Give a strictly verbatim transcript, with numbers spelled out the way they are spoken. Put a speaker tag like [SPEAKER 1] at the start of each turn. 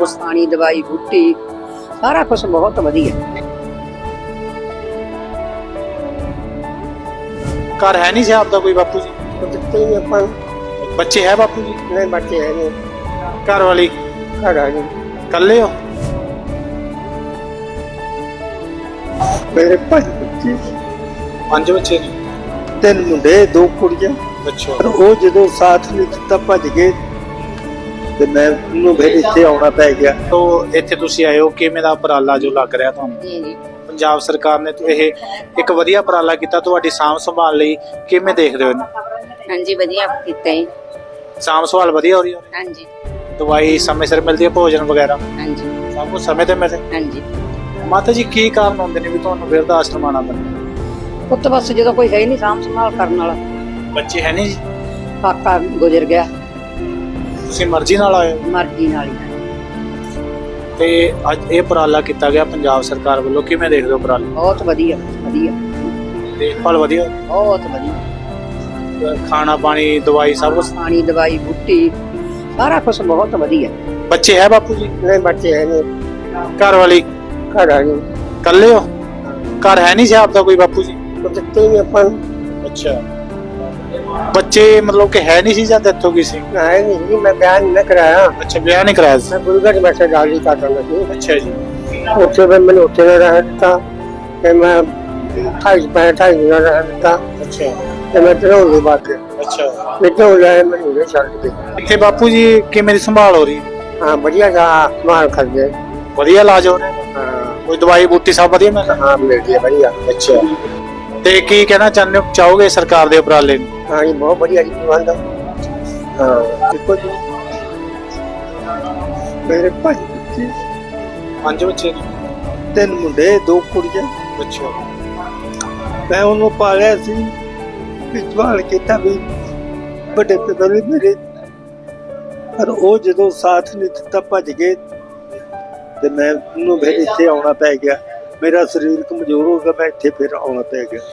[SPEAKER 1] कुछ पानी दवाई बूटी सारा कुछ बहुत वधिया।
[SPEAKER 2] घर है नहीं से आपका कोई बापू जी? बच्चे है बापू जी?
[SPEAKER 3] नहीं बच्चे है नहीं।
[SPEAKER 2] घर वाली
[SPEAKER 3] घर आ गई।
[SPEAKER 2] कल्ले हो?
[SPEAKER 3] मेरे पांच बच्चे,
[SPEAKER 2] पांच बच्चे ने?
[SPEAKER 3] तीन मुंडे दो कुड़ियां।
[SPEAKER 2] अच्छा।
[SPEAKER 3] पर वो जो साथ नहीं दिता भज गए ਤੇ ਮੈਂ ਉਹਨੂੰ ਫਿਰ ਇੱਥੇ ਆਉਣਾ ਪੈ ਗਿਆ।
[SPEAKER 2] तो ਇੱਥੇ ਤੁਸੀਂ ਆਏ ਹੋ, ਕਿਵੇਂ ਦਾ ਉਪਰਾਲਾ ਜੋ ਲੱਗ ਰਿਹਾ ਤੁਹਾਨੂੰ?
[SPEAKER 1] जी जी
[SPEAKER 2] ਪੰਜਾਬ ਸਰਕਾਰ ਨੇ ਤਾਂ ਇਹ ਇੱਕ ਵਧੀਆ ਉਪਰਾਲਾ ਕੀਤਾ ਤੁਹਾਡੀ ਸਾਂਭ ਸੰਭਾਲ ਲਈ, ਕਿਵੇਂ ਦੇਖਦੇ ਹੋ ਇਹਨੂੰ?
[SPEAKER 1] हाँ जी वधिया कीता है।
[SPEAKER 2] ਸਾਂਭ ਸੰਭਾਲ ਵਧੀਆ ਹੋ ਰਹੀ ਹੈ?
[SPEAKER 1] हाँ जी
[SPEAKER 2] ਦਵਾਈ ਸਮੇਂ ਸਿਰ ਮਿਲਦੀ ਹੈ, ਭੋਜਨ ਵਗੈਰਾ
[SPEAKER 1] हाँ जी
[SPEAKER 2] ਸਭ ਕੁਝ ਸਮੇਂ ਤੇ ਮਿਲਦਾ?
[SPEAKER 1] हाँ जी।
[SPEAKER 2] ਮਾਤਾ ਜੀ ਕੀ ਕਾਰਨ ਹੁੰਦੇ ਨੇ ਵੀ ਤੁਹਾਨੂੰ ਬਿਰਧ ਆਸ਼ਰਮ ਆਉਣਾ ਪੈਂਦਾ?
[SPEAKER 1] ਪੁੱਤ ਬਸ ਜਦੋਂ ਕੋਈ ਹੈ ਨਹੀਂ ਸਾਂਭ ਸੰਭਾਲ ਕਰਨ ਵਾਲਾ,
[SPEAKER 2] ਬੱਚੇ ਹੈ ਨਹੀਂ ਜੀ?
[SPEAKER 1] ਕਾਕਾ ਗੁਜ਼ਰ ਗਿਆ,
[SPEAKER 2] ਤੁਸੀਂ ਮਰਜ਼ੀ ਨਾਲ ਆਏ ਹੋ?
[SPEAKER 1] ਮਰਜ਼ੀ ਨਾਲ ਹੀ।
[SPEAKER 2] ਤੇ ਅੱਜ ਇਹ ਉਪਰਾਲਾ ਕੀਤਾ ਗਿਆ ਪੰਜਾਬ ਸਰਕਾਰ ਵੱਲੋਂ, ਕਿਵੇਂ ਦੇਖਦੇ ਹੋ ਉਪਰਾਲਾ?
[SPEAKER 1] ਬਹੁਤ ਵਧੀਆ ਵਧੀਆ
[SPEAKER 2] ਦੇਖਭਾਲ ਵਧੀਆ?
[SPEAKER 1] ਬਹੁਤ ਵਧੀਆ।
[SPEAKER 2] ਖਾਣਾ ਪਾਣੀ ਦਵਾਈ ਸਭ ਕੁਝ?
[SPEAKER 1] ਪਾਣੀ ਦਵਾਈ ਬੂਟੀ ਸਾਰਾ ਕੁਝ ਬਹੁਤ ਵਧੀਆ।
[SPEAKER 2] ਬੱਚੇ ਹੈ ਬਾਪੂ ਜੀ?
[SPEAKER 3] ਨਹੀਂ ਬੱਚੇ ਹੈ ਨਹੀਂ।
[SPEAKER 2] ਘਰ ਵਾਲੀ
[SPEAKER 3] ਘਰ ਆ ਗਈ।
[SPEAKER 2] ਕੱਲੇ ਹੋ? ਘਰ ਹੈ ਨਹੀਂ ਸੀ ਆਪਦਾ ਕੋਈ ਬਾਪੂ ਜੀ?
[SPEAKER 3] ਉਹ ਦਿੱਤੇ ਨਹੀਂ ਆਪਾਂ ਨੂੰ।
[SPEAKER 2] ਅੱਛਾ। ਬੱਚੇ ਮਤਲਬ ਕਿ ਹੈ ਨਹੀਂ ਸੀ ਜਾਂ ਡੈਥ ਹੋ ਗਈ ਸੀ?
[SPEAKER 3] ਹੈ ਨਹੀਂ ਜੀ, ਮੈਂ ਬਿਆਨ ਨਹੀਂ ਕਰਾਇਆ।
[SPEAKER 2] ਅੱਛਾ, ਵਿਆਹ ਨਹੀਂ ਕਰਾਇਆ ਸੀ?
[SPEAKER 3] ਮੈਂ ਗੁਰਗੜ ਬੈਠਾ ਗਾਲੀ ਕਾਟਣ ਸੀ।
[SPEAKER 2] ਅੱਛਾ ਜੀ।
[SPEAKER 3] ਉੱਥੇ ਫਿਰ ਮੈਨੂੰ ਉੱਥੇ ਨਾ ਰਹਿ ਦਿੱਤਾ ਤੇ ਮੈਂ ਢਾਈ ਪੈ ਢਾਈ ਦਿਨ ਰਹਿ ਦਿੱਤਾ
[SPEAKER 2] ਅੱਛਾ
[SPEAKER 3] ਤੇ ਮੈਂ ਤਰੋਂ ਦੀ ਬਾਤ
[SPEAKER 2] ਅੱਛਾ।
[SPEAKER 3] ਵਿੱਚੋਂ ਲੈ ਮੈਨੂੰ ਉਰੇ ਛੱਡ ਕੇ।
[SPEAKER 2] ਇੱਥੇ ਬਾਪੂ ਜੀ ਕਿਵੇਂ ਦੀ ਸੰਭਾਲ ਹੋ ਰਹੀ ਹੈ?
[SPEAKER 3] ਹਾਂ ਵਧੀਆ ਦਾ ਮਾਲ ਕਰਦੇ।
[SPEAKER 2] ਵਧੀਆ ਇਲਾਜ ਹੋ ਰਿਹਾ?
[SPEAKER 3] ਹਾਂ
[SPEAKER 2] ਕੋਈ ਦਵਾਈ ਬੂਟੀ ਸਭ ਵਧੀਆ ਮਿਲ
[SPEAKER 3] ਹਾਂ ਮਿਲਦੀ ਹੈ ਵਧੀਆ।
[SPEAKER 2] ਅੱਛਾ। ਤੇ ਕੀ ਕਹਿਣਾ ਚਾਹੁੰਦੇ ਹੋ ਚਾਹੋਗੇ ਸਰਕਾਰ ਦੇ ਉਪਰਾਲੇ ਨੂੰ?
[SPEAKER 3] ਹਾਂ ਜੀ ਬਹੁਤ ਵਧੀਆ ਜੀ ਪ੍ਰਬੰਧ। ਹਾਂ ਦੇਖੋ ਜੀ ਮੇਰੇ ਪੰਜ ਬੱਚੇ,
[SPEAKER 2] ਪੰਜ ਬੱਚੇ ਨੇ?
[SPEAKER 3] ਤਿੰਨ ਮੁੰਡੇ ਦੋ ਕੁੜੀਆਂ।
[SPEAKER 2] ਅੱਛਾ।
[SPEAKER 3] ਮੈਂ ਉਹਨੂੰ ਪਾਲਿਆ ਸੀ, ਵਿਚਵਾਲ ਕੀਤਾ ਵੀ ਵੱਡੇ ਪਿਤਾ ਨੇ ਮੇਰੇ, ਪਰ ਉਹ ਜਦੋਂ ਸਾਥ ਨਹੀਂ ਦਿੱਤਾ ਭੱਜ ਗਏ ਤੇ ਮੈਂ ਉਹਨੂੰ ਫਿਰ ਇੱਥੇ ਆਉਣਾ ਪੈ ਗਿਆ। ਮੇਰਾ ਸਰੀਰ ਕਮਜ਼ੋਰ ਹੋ ਗਿਆ, ਮੈਂ ਇੱਥੇ ਫਿਰ ਆਉਣਾ ਪੈ ਗਿਆ।